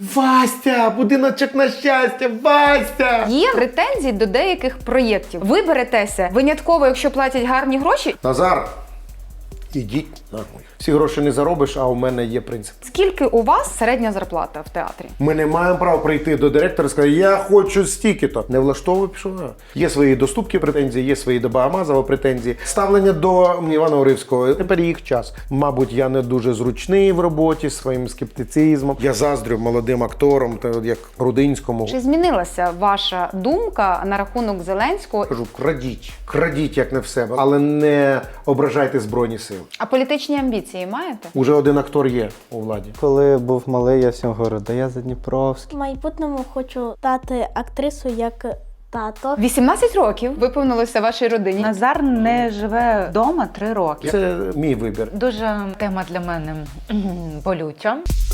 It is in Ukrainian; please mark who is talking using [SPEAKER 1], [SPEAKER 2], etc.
[SPEAKER 1] Вастя, будиночок на щастя, Вастя!
[SPEAKER 2] Є претензії до деяких проєктів. Ви беретеся винятково, якщо платять гарні гроші.
[SPEAKER 1] Назар, ідіть нахуй. Всі гроші не заробиш, а у мене є принцип.
[SPEAKER 2] Скільки у вас середня зарплата в театрі?
[SPEAKER 1] Ми не маємо права прийти до директора і сказати, я хочу стільки-то. Не влаштовуй, пішов. Є свої до Ступки претензії, є свої до Багамазова претензії. Ставлення до Івана Уривського. Тепер їх час. Мабуть, я не дуже зручний в роботі своїм скептицизмом. Я заздрю молодим акторам, як Рудинському.
[SPEAKER 2] Чи змінилася ваша думка на рахунок Зеленського?
[SPEAKER 1] Кажу, крадіть. Крадіть, як не в себе, але не ображайте Збройні Сили.
[SPEAKER 2] А політичні амбіції маєте?
[SPEAKER 1] Уже один актор є у владі.
[SPEAKER 3] Коли був малий, я всім говорю, да я Задніпровський.
[SPEAKER 4] В майбутньому хочу стати актрисою як тато.
[SPEAKER 2] 18 років виповнилося вашій родині.
[SPEAKER 5] Назар не живе вдома 3 роки.
[SPEAKER 1] Це мій вибір.
[SPEAKER 5] Дуже тема для мене болюча.